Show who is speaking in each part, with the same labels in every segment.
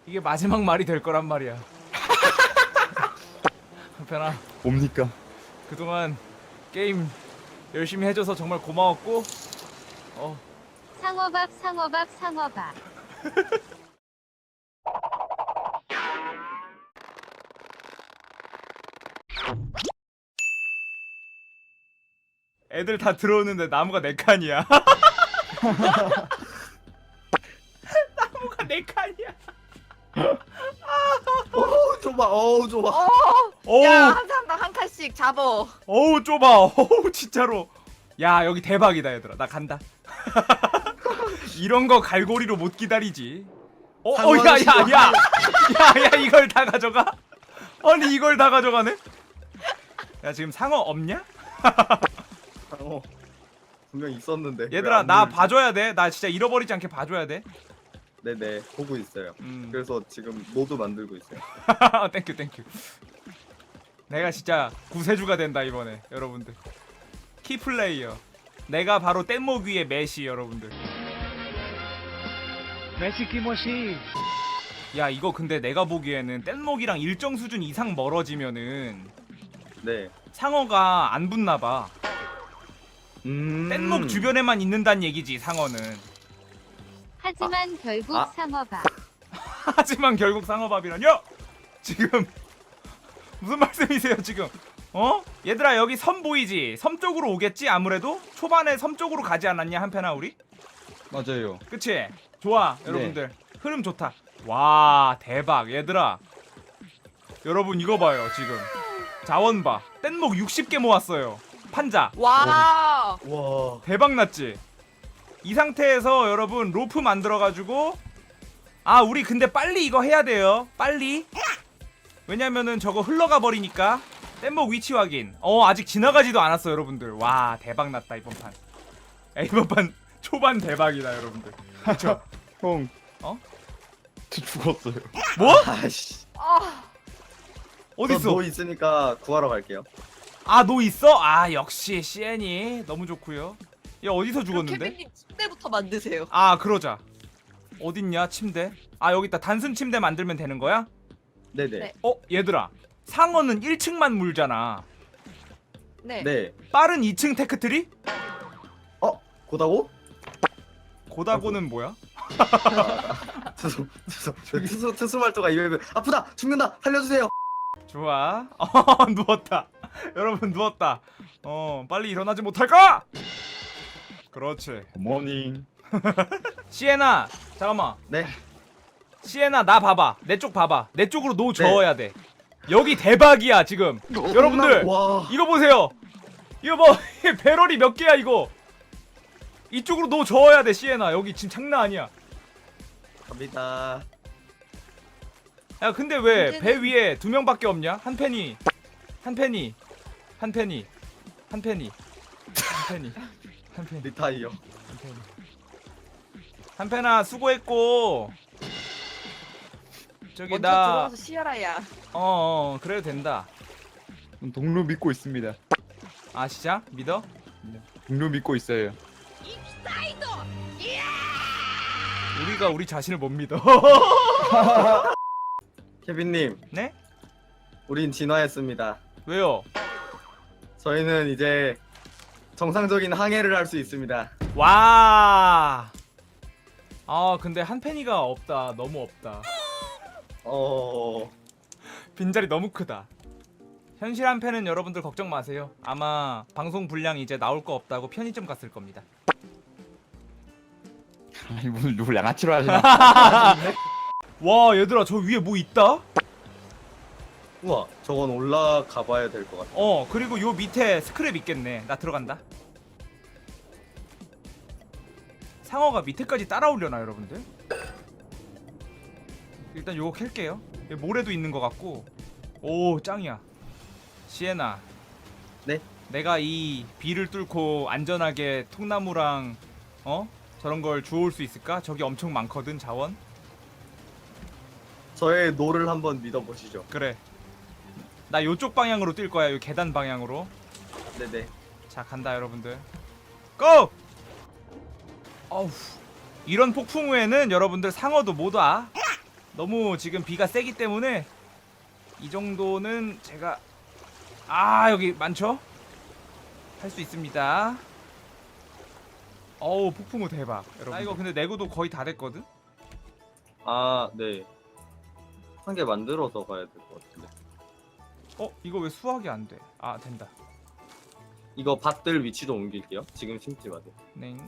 Speaker 1: 이게 마지막 말이 될 거란 말이야. 한편아,
Speaker 2: 뭡니까?
Speaker 1: 그동안 게임 열심히 해줘서 정말 고마웠고,
Speaker 3: 상어밥 상어밥 상어밥.
Speaker 1: 애들 다 들어오는데 나무가 4칸이야. 나무가 4칸이야.
Speaker 4: 좁아. 좁아.
Speaker 1: 어우,
Speaker 5: 야, 한 사람당 한 칸씩 잡어.
Speaker 1: 어우 좁아. 어우 진짜로. 야 여기 대박이다 얘들아. 나 간다. 이런 거 갈고리로 못 기다리지. 야야야야야야 이걸 다 가져가? 아니 이걸 다 가져가네? 야 지금 상어 없냐?
Speaker 4: 분명 있었는데.
Speaker 1: 얘들아
Speaker 4: 왜안
Speaker 1: 나
Speaker 4: 보이지?
Speaker 1: 봐줘야 돼. 나 진짜 잃어버리지 않게 봐줘야 돼.
Speaker 4: 네네 보고 있어요. 그래서 지금 노드 만들고 있어요.
Speaker 1: 땡큐 땡큐. 내가 진짜 구세주가 된다 이번에 여러분들. 키플레이어. 내가 바로 뗏목 위의 메시 여러분들.
Speaker 2: 메시 키모시.
Speaker 1: 야 이거 근데 내가 보기에는 뗏목이랑 일정 수준 이상 멀어지면은
Speaker 4: 네.
Speaker 1: 상어가 안 붙나봐. 뗏목
Speaker 4: 음.
Speaker 1: 주변에만 있는단 얘기지 상어는.
Speaker 3: 하지만 결국
Speaker 4: 아.
Speaker 3: 상어밥.
Speaker 1: 하지만 결국 상어밥이라뇨? 지금 무슨 말씀이세요 지금? 어? 얘들아 여기 섬 보이지? 섬 쪽으로 오겠지 아무래도? 초반에 섬 쪽으로 가지 않았냐 한편아 우리?
Speaker 2: 맞아요.
Speaker 1: 그치? 좋아 여러분들 흐름 좋다. 와 대박 얘들아. 여러분 이거 봐요 지금. 자원 봐. 뗏목 60개 모았어요. 판자.
Speaker 5: 와.
Speaker 4: 와.
Speaker 1: 대박 났지? 이 상태에서 여러분 로프 만들어가지고 아 우리 근데 빨리 이거 해야 돼요. 빨리. 왜냐면은 저거 흘러가 버리니까. 뗏목 위치 확인. 아직 지나가지도 않았어 여러분들. 와 대박 났다 이번 판. 야, 이번 판 초반 대박이다 여러분들. 그쵸?
Speaker 2: 형.
Speaker 1: 어?
Speaker 2: 저 죽었어요.
Speaker 1: 뭐?
Speaker 4: 아씨.
Speaker 5: 아,
Speaker 1: 어딨어?
Speaker 4: 노 있으니까 구하러 갈게요.
Speaker 1: 아 너 있어? 아 역시 CN이 너무 좋고요. 얘 어디서 죽었는데?
Speaker 5: 케빈님 침대부터 만드세요.
Speaker 1: 아 그러자. 어딨냐 침대? 아 여기 있다. 단순 침대 만들면 되는 거야?
Speaker 4: 네네.
Speaker 5: 네.
Speaker 1: 얘들아 상어는 1층만 물잖아.
Speaker 5: 네.
Speaker 4: 네.
Speaker 1: 빠른 2층 테크트리?
Speaker 4: 고다고?
Speaker 1: 고다고는 뭐야?
Speaker 4: 투수 말투가 입에 아프다 죽는다 살려주세요.
Speaker 1: 좋아. 누웠다. 여러분 누웠다. 빨리 일어나지 못할까? 그렇지.
Speaker 2: 모닝.
Speaker 1: 시에나 잠깐만.
Speaker 4: 네.
Speaker 1: 시에나 나 봐봐. 내 쪽 봐봐. 내 쪽으로 노 저어야 돼. 여기 대박이야 지금. 여러분들
Speaker 4: 와.
Speaker 1: 이거 보세요. 이거 뭐 배럴이 몇 개야 이거. 이쪽으로 노 저어야 돼 시에나. 여기 지금 장난 아니야.
Speaker 4: 갑니다.
Speaker 1: 야 근데 왜
Speaker 5: 문제는-
Speaker 1: 배 위에 2명밖에 없냐? 한 팬이 한 팬이 한 팬이 한 팬이 한 팬이 한 팬이
Speaker 4: 리타이어.
Speaker 1: 한 팬이 한 팬아 수고했고 저기
Speaker 5: 먼저
Speaker 1: 나
Speaker 5: 들어와서 쉬어라야.
Speaker 1: 그래도 된다.
Speaker 2: 동료 믿고 있습니다.
Speaker 1: 아 진짜? 믿어?
Speaker 2: 동료 믿고 있어요.
Speaker 1: 우리가 우리 자신을 못 믿어.
Speaker 4: 케빈님.
Speaker 1: 네?
Speaker 4: 우린 진화했습니다.
Speaker 1: 왜요?
Speaker 4: 저희는 이제 정상적인 항해를 할 수 있습니다.
Speaker 1: 와. 아 근데 한 팬이가 없다. 너무 없다. 빈자리 너무 크다. 현실 한 팬은 여러분들 걱정 마세요. 아마 방송 분량 이제 나올 거 없다고 편의점 갔을 겁니다.
Speaker 2: 아니 무슨 누굴 양아치로 하시나?
Speaker 1: 와 얘들아 저 위에 뭐 있다?
Speaker 4: 우와, 저건 올라가 봐야 될 것 같아.
Speaker 1: 그리고 요 밑에 스크랩 있겠네. 나 들어간다. 상어가 밑에까지 따라오려나 여러분들? 일단 요거 캘게요. 여기 모래도 있는 것 같고. 오 짱이야. 시에나.
Speaker 4: 네?
Speaker 1: 내가 이 비를 뚫고 안전하게 통나무랑 저런 걸 주워올 수 있을까? 저기 엄청 많거든 자원.
Speaker 4: 저의 노를 한번 믿어보시죠.
Speaker 1: 그래. 나 요쪽 방향으로 뛸 거야. 요 계단 방향으로.
Speaker 4: 네네.
Speaker 1: 자 간다 여러분들. 고! 어우. 이런 폭풍 후에는 여러분들 상어도 못 와. 너무 지금 비가 세기 때문에 이 정도는 제가 여기 많죠? 할 수 있습니다. 어우 폭풍우 대박 여러분. 나 이거 근데 내구도 거의 다 됐거든?
Speaker 4: 아, 네. 한 개 만들어서 가야 될 것 같은데.
Speaker 1: 이거 왜 수확이 안 돼? 아 된다.
Speaker 4: 이거 밭들 위치도 옮길게요. 지금 심지 마세요.
Speaker 1: 네.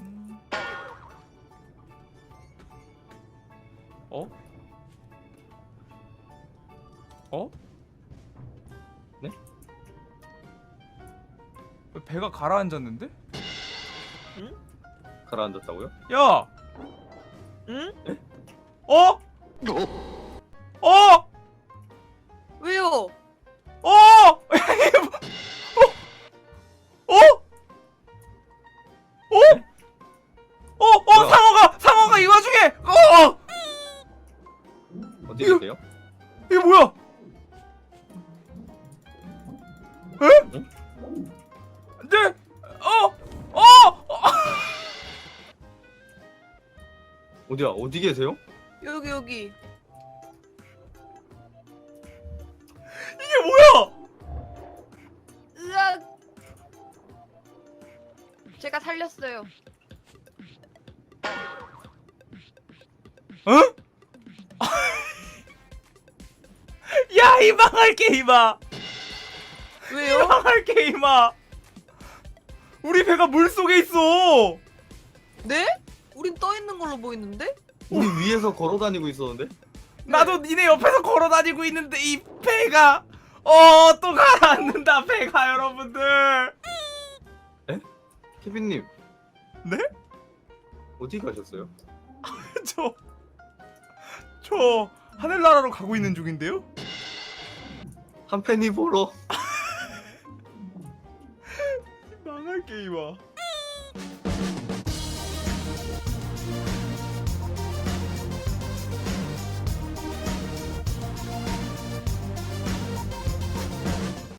Speaker 1: 어? 어?
Speaker 4: 네?
Speaker 1: 왜 배가 가라앉았는데?
Speaker 4: 가라앉았다고요?
Speaker 1: 야!
Speaker 5: 응?
Speaker 1: 어? 어?
Speaker 5: 왜요?
Speaker 1: 어? 어?
Speaker 4: 뭐야?
Speaker 1: 상어가 이 와중에!
Speaker 4: 어디
Speaker 1: 이거-
Speaker 4: 계세요?
Speaker 1: 이게 뭐야? 에? 네?
Speaker 4: 어디야? 어디 계세요?
Speaker 5: 여기.
Speaker 1: 이게 뭐야?
Speaker 5: 으악. 제가 살렸어요.
Speaker 1: 어? 야, 이 망할 게임아! 이
Speaker 5: 왜요?
Speaker 1: 망할 게임아! 우리 배가 물 속에 있어!
Speaker 5: 네? 우린 떠 있는 걸로 보이는데?
Speaker 4: 우리 위에서 걸어 다니고 있었는데?
Speaker 1: 나도 니네 옆에서 걸어 다니고 있는데 이 배가 또 가라앉는다 배가 여러분들.
Speaker 4: 케빈님.
Speaker 1: 네?
Speaker 4: 어디 가셨어요?
Speaker 1: 저 하늘나라로 가고 있는 중인데요?
Speaker 4: 한 팬이 보러.
Speaker 1: 망할 게임아.